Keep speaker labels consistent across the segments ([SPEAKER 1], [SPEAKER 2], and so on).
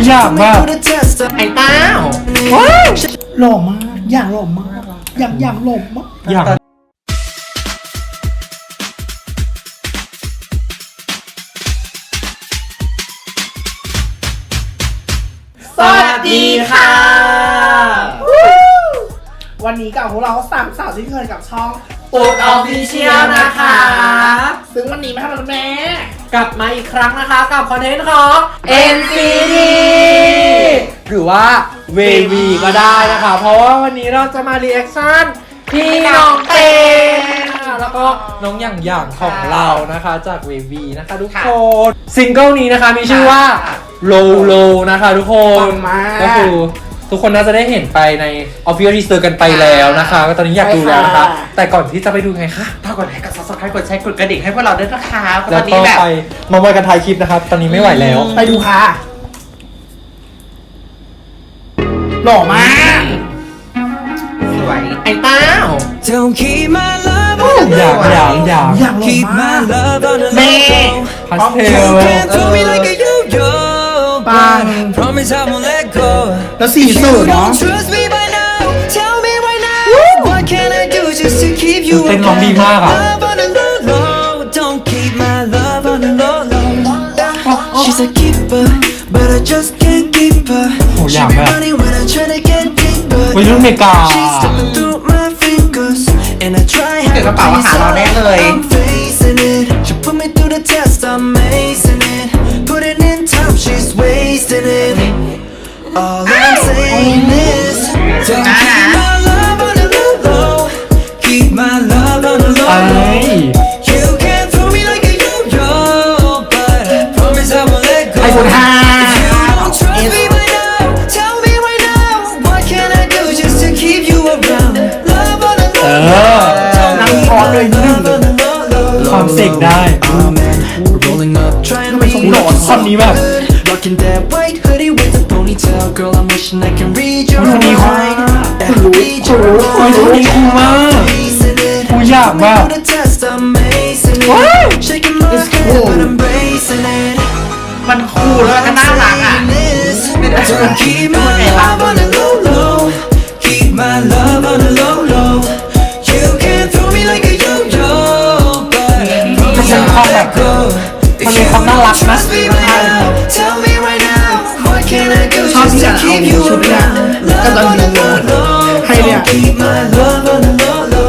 [SPEAKER 1] อยากแบบ
[SPEAKER 2] ไอ้เต้า
[SPEAKER 3] หล่อมากอย่างหล่อมากอย่างหล่อมาก
[SPEAKER 1] อยาก
[SPEAKER 2] สวัสดีค่ะ
[SPEAKER 3] วันนี้กับพวกเราสามสาวที่เคยกับช่อง
[SPEAKER 2] ปุ๊กออฟฟิเชียลนะคะ
[SPEAKER 3] ซึ่งวันนี้ไม่ทำอะไรแม่
[SPEAKER 2] กลับมาอีกครั้งนะคะกับคอนเทนต์ของ NCT หรือว่า VV ก็ได้นะคะ เพราะว่าวันนี้เราจะมารีแอคชั่นพี่น้องเต้นะคะแล้วก็น้องหย่างของเรานะคะจาก VV นะคะทุกคนซิงเกิลนี้นะคะมีชื่อว่า Low Low นะคะทุกคนก็คือทุกคนน่าจะได้เห็นไปใน Official Teaser กันไปแล้วนะคะก็ตอนนี้อยากดูแล้วนะคะแต่ก่อนที่จะไปดูไงคะถ้ากดไลค์กด Subscribe กดแชร์กดกระดิ่งให้พวกเราด้วยนะคะตอนนี้แบบ
[SPEAKER 1] ไปมาวันกันถ่ายคลิปนะครับตอนนี้ไม่ไหวแล้ว
[SPEAKER 3] ไปดูค่ะหล่อมาก
[SPEAKER 2] สวยไอ้เต้า
[SPEAKER 4] Don't keep my love
[SPEAKER 1] อย่าง
[SPEAKER 3] อย่างหล่อ
[SPEAKER 4] Keep
[SPEAKER 3] มาก
[SPEAKER 4] my love on the
[SPEAKER 2] แม่
[SPEAKER 4] low
[SPEAKER 1] พาสเท
[SPEAKER 4] You
[SPEAKER 1] ล
[SPEAKER 4] can throw me like a yo-yo
[SPEAKER 3] Bang.
[SPEAKER 4] But promise I won't let go
[SPEAKER 3] แล้วสี
[SPEAKER 4] If
[SPEAKER 3] สู
[SPEAKER 4] you
[SPEAKER 3] ตรเนาะ
[SPEAKER 4] don't trust me by now Tell me right now What can I do just to keep you
[SPEAKER 1] เต้นร้องดีมากอ่ะ
[SPEAKER 4] Love on the low low Don't keep my love on the low low She's a keeper But I just can't keep her
[SPEAKER 1] โหอ
[SPEAKER 4] She
[SPEAKER 1] ยาก
[SPEAKER 4] be
[SPEAKER 1] แบบ
[SPEAKER 4] running when I try to get deeper
[SPEAKER 1] วัยรุ่นอเมริกา
[SPEAKER 4] She's slipping through my fingers And I try
[SPEAKER 2] เดี๋ยวกระเป๋าอาหารเราแน่เลย
[SPEAKER 4] I'm facing it She put me through the test I'm acing it Put it in time She's wasting it All I'm saying is Don't keep my love on the low low Keep my love on the low
[SPEAKER 1] ไอ้
[SPEAKER 4] low You can throw me like a yo-yo But promise I won't let go
[SPEAKER 3] ไอโฟน5
[SPEAKER 4] If you don't trust me right now Tell me right now What can I do just to keep you around Love on the low low Don't
[SPEAKER 3] นั่ง
[SPEAKER 4] keep
[SPEAKER 3] พอเลย
[SPEAKER 4] my
[SPEAKER 3] หนึ่ง
[SPEAKER 4] love on the low low
[SPEAKER 1] ความเสกได้
[SPEAKER 4] Oh man, we're rolling up, trying to make
[SPEAKER 1] หลอน
[SPEAKER 4] it
[SPEAKER 1] ท่อนนี้แบบ
[SPEAKER 4] good. Rocking that white hoodie with the ponytail, girl. I'm wishing I can read your
[SPEAKER 1] คนนี้
[SPEAKER 4] mind. Yeah, read your
[SPEAKER 1] โอ้ยคนนี้คูลมาก
[SPEAKER 4] Facing it.
[SPEAKER 1] กูอยากแบบ
[SPEAKER 4] Put the test, I'm acing it. Shaking my head, but I'm bracing it.
[SPEAKER 2] มันคูลแล้วก็น่ารักอ่ะ
[SPEAKER 4] Don't keep my love on the low low. Keep my love on the low low. You can throw me like a yo-yo, but promise I won't let go.
[SPEAKER 1] มันมีความน่ารักนะ
[SPEAKER 4] Trust me right now. Tell me right now. What can I do
[SPEAKER 3] ชอบ
[SPEAKER 4] just
[SPEAKER 3] ที่
[SPEAKER 4] to
[SPEAKER 3] จะเอา
[SPEAKER 4] keep you
[SPEAKER 3] ชุดเนี่ย
[SPEAKER 4] around?
[SPEAKER 3] ก็ตอน
[SPEAKER 4] Love on
[SPEAKER 3] นี้
[SPEAKER 4] the low low.
[SPEAKER 3] ให้เนี่ย
[SPEAKER 4] Don't keep my love on the low low.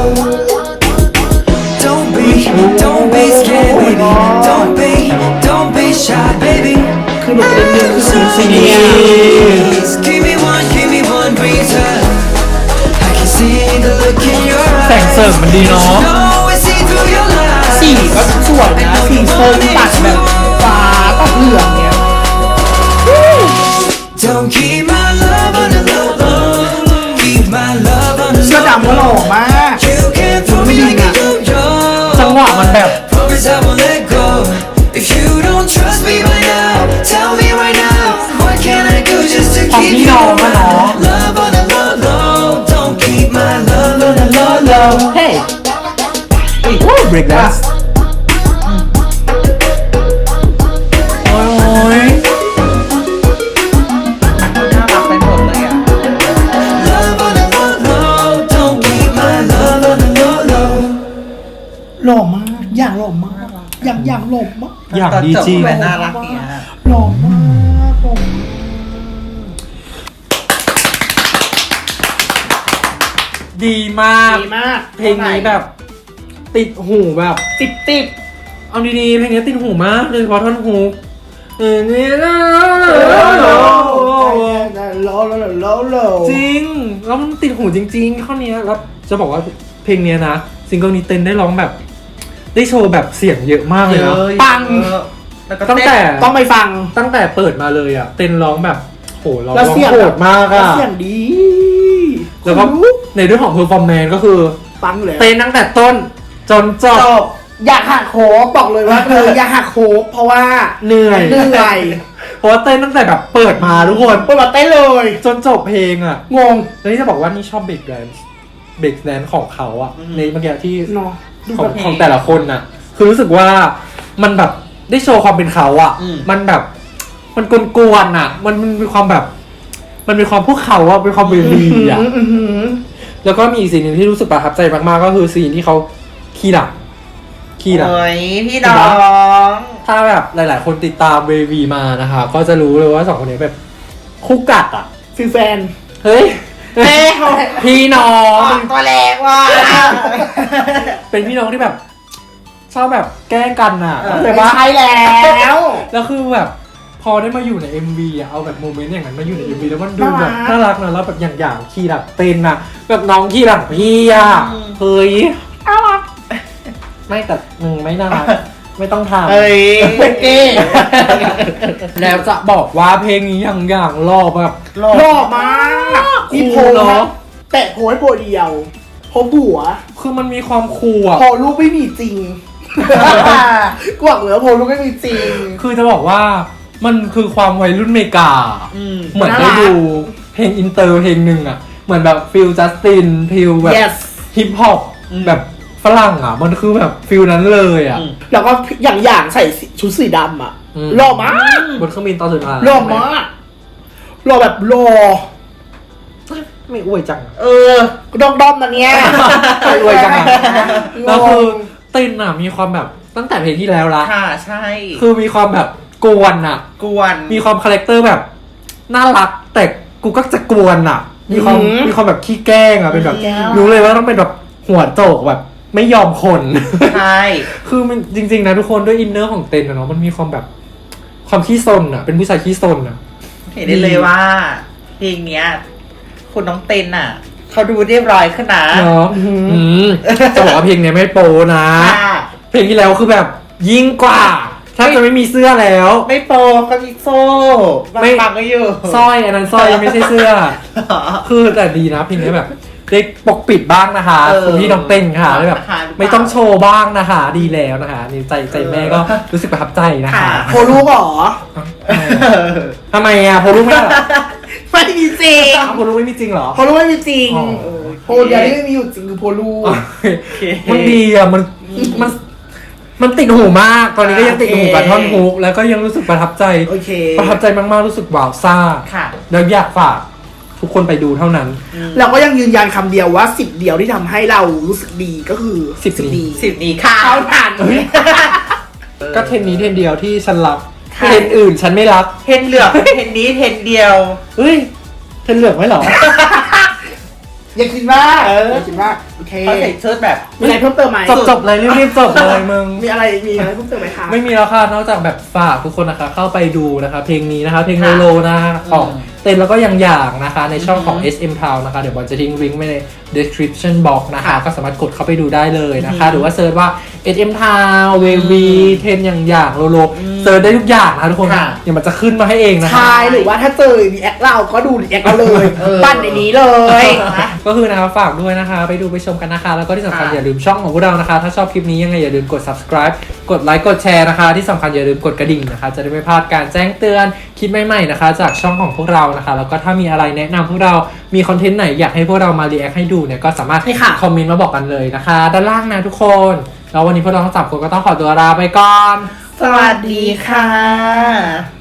[SPEAKER 4] Don't be scared, baby. Don't be shy, baby.
[SPEAKER 3] คือหนูเป็นเดือนคือสีสี
[SPEAKER 4] Please, give me one reason. I can see the look in your
[SPEAKER 1] แสง
[SPEAKER 4] eyes.
[SPEAKER 1] เสริมมันดีเนาะ
[SPEAKER 4] No, I see through your lies.
[SPEAKER 3] สีก็สวยนะสีส้มตัดแบบฟ้ากับเหลืองเนี่ย
[SPEAKER 4] Don't keep my love on the low low. Keep my love on the
[SPEAKER 3] เสื้อ
[SPEAKER 4] low
[SPEAKER 3] ดำก็หล่อมาก
[SPEAKER 4] You can throw me like a yo-yo.
[SPEAKER 1] จังหวะมันแบบ
[SPEAKER 4] Promise I won't let go. If you don't trust me by now, tell me right now. What can I do just to
[SPEAKER 1] ของ
[SPEAKER 4] keep
[SPEAKER 1] พี่
[SPEAKER 4] you
[SPEAKER 1] น้องอะเนาะ
[SPEAKER 4] around? Love on the low low. Don't keep my love on the low low.
[SPEAKER 1] เฮ้ยเบรกแดนซ์โอ้ย
[SPEAKER 2] น่ารักไปหมดเลยอ่ะ
[SPEAKER 4] Love on the low low. Don't keep my love on the low low.
[SPEAKER 3] หล่อมากอย่างหล่อมากอย่างหล่อมาก
[SPEAKER 1] อย่างดีจริง
[SPEAKER 2] ตอนจบแบบน่ารักเนี่ย
[SPEAKER 3] หล่อมากหล่อมาก
[SPEAKER 1] ดีมาก
[SPEAKER 3] ดีมาก
[SPEAKER 1] เพลงนี้แบบ ติดหูแบบ
[SPEAKER 3] ติด
[SPEAKER 1] เอาดีๆเพลงนี้ติดหูมากโดยเฉพาะท่อนฮุกนี่นะ จริงแล้วมันติดหูจริงๆข้อนี้แล้วจะบอกว่าเพลงเนี้ยนะซิงเกิลนี้เต้นได้ร้องแบบ ได้โชว์แบบเสียงเยอะมากเลยนะ
[SPEAKER 3] ปัง
[SPEAKER 2] แล้วก็
[SPEAKER 1] ตั้งแต่
[SPEAKER 3] ต้องไปฟัง
[SPEAKER 1] ตั้งแต่เปิดมาเลยอ่ะเต้นร้องแบบโหร้อง
[SPEAKER 3] แล้วเสียง
[SPEAKER 1] โหดมาก
[SPEAKER 3] แล้ว
[SPEAKER 1] อ่ะ
[SPEAKER 3] เสียงดี
[SPEAKER 1] แล้วก็ในเรื่องของเพอร์ฟอร์แมนซ์ก็คือ
[SPEAKER 3] ปังเลย
[SPEAKER 1] เต้นตั้งแต่ต้นจนจ
[SPEAKER 3] จ
[SPEAKER 1] บบ
[SPEAKER 3] อยากหักโคกบอกเลยว่าอยากหักโคกเพราะว่า
[SPEAKER 1] เหนื่อย
[SPEAKER 3] เหนื่อย
[SPEAKER 1] เพราะว่าเต้นตั้งแต่แบบเปิดมาทุกคน
[SPEAKER 3] เปิดมาเต้นเลย
[SPEAKER 1] จนจบเพลงอ่ะ
[SPEAKER 3] งง
[SPEAKER 1] แล้วนี่จะบอกว่านี่ชอบเบรกแดนซ์ของเขาอ่ะในเมื่อกี้ที่
[SPEAKER 3] เนาะดู
[SPEAKER 1] ของ
[SPEAKER 3] แบบ
[SPEAKER 1] ของแต่ละคนน่ะ คือรู้สึกว่ามันแบบได้โชว์ความเป็นเขาอ่ะ มันแบบมันกวนๆอ่ะ มันมีความแบบ มันมีความพวกเขาอะเป็นความเวรีอ่ะแล้วก็มีอีกสิ่งหนึ่งที่รู้สึกประทับใจมากๆก็คือซีนที่เขาขี้หลับ
[SPEAKER 2] โอ้ยพี่น้อง
[SPEAKER 1] ถ้าแบบหลายๆ คนติดตามเววีมานะคะ ก็จะรู้เลยว่าสองคนนี้แบบคู่กัดอ่ะ
[SPEAKER 3] ฟิลแฟน
[SPEAKER 1] เฮ้ย
[SPEAKER 2] แม่
[SPEAKER 1] พี่น้อง
[SPEAKER 2] ตัวแรงว่ะ
[SPEAKER 1] เป็นพี่น้องที่แบบ ชอบแบบแกล้งกันอ่ะ
[SPEAKER 3] ไม่ใช่แล้ว
[SPEAKER 1] แล้วคือแบบพอได้มาอยู่ใน MV อ่ะเอาแบบโมเมนต์อย่างนั้นมาอยู่ใน MV แล้วมันดูแบบน่ารักนะแล้วแบบอย่างคีย์หลักเต้นอ่ะแบบน้องคีย์หลักพี่อ่ะเฮ้ยน่ารักไม่แต่ไม่น่ารักไม่ต้องทำ
[SPEAKER 2] เอ้ย
[SPEAKER 3] เป็นเก้
[SPEAKER 1] แล้วจะบอกว่าเพลงนี้อย่างรอบแบบ
[SPEAKER 3] หล่อมากมีโพ
[SPEAKER 1] เนาะ
[SPEAKER 3] แตะโพให้โพเดียวโพบัว
[SPEAKER 1] คือมันมีความคูลอ่ะ
[SPEAKER 3] พอลูกไม่มีจริงกวกเหลือโพลูกไม่มีจริง
[SPEAKER 1] คือจะบอกว่ามันคือความวัยรุ่นเมกา เหมือนได้ดูเพลงอินเตอร์เพลงหนึ่งอ่ะ เหมือนแบบฟิลจัสตินฟิลแบบ
[SPEAKER 3] yes
[SPEAKER 1] ฮิปฮอปแบบฝรั่งอ่ะ มันคือแบบฟิลนั้นเลยอ่ะ
[SPEAKER 3] แล้วก็อย่างใส่ชุดสีดำอ่ะ
[SPEAKER 1] อืม
[SPEAKER 3] หล่อมาก
[SPEAKER 1] บนเครื่องบินตอนสุดท้าย
[SPEAKER 3] หล่อมากหล่อแบบหล่อ
[SPEAKER 1] ไม่อวยจัง
[SPEAKER 3] เออด้อมๆนะเนี่ย
[SPEAKER 1] ไม่อวยจังอะ
[SPEAKER 3] ง
[SPEAKER 1] แล้วคือง เต้นอ่ะมีความแบบตั้งแต่เพลงที่แล้วละ
[SPEAKER 2] ค่ะใช่
[SPEAKER 1] คือมีความแบบกวนอ่ะ
[SPEAKER 2] กวน
[SPEAKER 1] มีความคาแรคเตอร์แบบน่ารัก แต่กูก็จะกวนอ่ะ มีความแบบขี้แกล้งอ่ะเป็นแบบรู้เลยว่าต้องเป็นแบบหัวโจกแบบไม่ยอมคน
[SPEAKER 2] ใช่
[SPEAKER 1] คือมันจริง ๆ นะทุกคนด้วยอินเนอร์ของเต้นอะเนาะมันมีความแบบความขี้ซนอ่ะ เป็นผู้ชายขี้ซนอ่ะ
[SPEAKER 2] เห็นได้เลยว่า เพลงเนี้ย คุณน้องเต้นอ่ะ เขาดูเรียบร้อยขึ้นนะ
[SPEAKER 1] เนาะจะบอกว่าเพลงเนี้ยไม่โปนะ
[SPEAKER 2] ค่ะ
[SPEAKER 1] เพลงที่แล้วคือแบบยิ่งกว่าถ้าจะไม่มีเสื้อแล้ว
[SPEAKER 2] ไม่โปก็มีโซ่
[SPEAKER 1] ไม่
[SPEAKER 2] ปังๆก็อยู่
[SPEAKER 1] สร้อยอันนั้นสร้อยไม่ใช่เสื้อ คือแต่ดีนะเพลงนี้แบบได้ปกปิดบ้างนะคะ
[SPEAKER 2] เออ
[SPEAKER 1] คุณพี่น้องเต้นค่ะแล้วแบบ
[SPEAKER 2] ค่ะหรือเปล่า
[SPEAKER 1] ไม่ต้องโชว์บ้างนะคะ ดีแล้วนะคะนี่ใจแม่ก็รู้สึกประทับใจนะคะ
[SPEAKER 2] ค่ะ
[SPEAKER 3] โพลูกเหรอ
[SPEAKER 1] ทำไมอ่ะโพลูกไม่เหรอ
[SPEAKER 3] ไม่มีจริง
[SPEAKER 1] โพลูกไม่มีจริงเหรอ
[SPEAKER 3] โพลูกไม่มีจริง
[SPEAKER 1] อ๋อ
[SPEAKER 3] โพเดียวที่ไม่มีอยู่จริงคือโพลูก
[SPEAKER 1] มันดีอ่ะมันติดหูมาก ตอนนี้ก็ยังติดหูกับท่อนฮุกแล้วก็ยังรู้สึกประทับใจ
[SPEAKER 3] โอเค
[SPEAKER 1] ประทับใจมากๆรู้สึกว้าวซ่า
[SPEAKER 2] ค่ะ
[SPEAKER 1] แล้วอยากฝากทุกคนไปดูเท่านั้น
[SPEAKER 3] เราก็ยังยืนยันคำเดียวว่า10เดียวที่ทำให้เรารู้สึกดีก็คือ
[SPEAKER 1] 10
[SPEAKER 3] ดี
[SPEAKER 2] 10 นี้ค่ะ
[SPEAKER 3] เท่านั้น
[SPEAKER 1] ก็เทรนนี้เทรนเดียวที่ฉันรัก
[SPEAKER 2] ค่ะ
[SPEAKER 1] เทรนอื่นฉันไม่รัก
[SPEAKER 2] เทนเหลือกเทนนี้เทนเดียว
[SPEAKER 1] เฮ้ยเทรนเหลือกไหมเหรอ
[SPEAKER 3] อย่าคิดว่าอย่าคิดว่าโอเค
[SPEAKER 2] เขาใส่ชุดแบบ
[SPEAKER 3] มีอะไรเพิ่มเติมไหม
[SPEAKER 1] จบเลยรีบๆจบเลยมึง
[SPEAKER 3] มีอะไรเพิ่มเติมไหมคะ
[SPEAKER 1] ไม่มีแล้วค่ะนอกจากแบบฝากทุกคนนะคะเข้าไปดูนะคะเพลงนี้นะคะเพลง
[SPEAKER 2] ค่ะ
[SPEAKER 1] โลนะคะของ
[SPEAKER 2] อืม
[SPEAKER 1] เต้นแล้วก็อย่างนะคะในช่องของ SM Town นะคะเดี๋ยวบอลจะทิ้งลิงก์ไว้ใน description box นะคะ
[SPEAKER 2] ค่ะ
[SPEAKER 1] ก็สามารถกดเข้าไปดูได้เลยนะคะ หรือว่าเซิร์ชว่า SM Town เววีเทนอย่างโลเซิร์ชได้ทุกอย่างนะคะทุกคน
[SPEAKER 2] ค่ะ
[SPEAKER 1] เดี๋ยวมันจะขึ้นมาให้เองนะคะ
[SPEAKER 3] ใช่หรือว่าถ้าเจอรีแอคเราก็ดูรีแอคเราเลย ปั้นในนี้เลย
[SPEAKER 1] ก็คือนะคะฝากด้วยนะคะไปดูไปชมกันนะคะ แล้วก็ที่สำคัญ
[SPEAKER 2] ค่ะ
[SPEAKER 1] อย่าลืมช่องของพวกเรานะคะ ถ้าชอบคลิปนี้ยังไงอย่าลืมกด subscribe กดไลค์กดแชร์นะคะ ที่สำคัญอย่าลืมกดกระดิ่งนะคะ จะได้ไม่พลาดการแจ้งเตือนคลิปใหม่ๆนะคะ จากช่องของพวกเรานะคะ แล้วก็ถ้ามีอะไรแนะนำพวกเรามีคอนเทนต์ไหนอยากให้พวกเรามารีแอคให้ดูเนี่ยก็สามารถ
[SPEAKER 3] ใช่ค่ะ
[SPEAKER 1] คอมเมนต์มาบอกกันเลยนะคะ ด้านล่างนะทุกคนแล้ววันนี้พวกเราทั้งสามคนก็ต้องขอตัวลาไปก่อน
[SPEAKER 2] สวัสดีค่ะ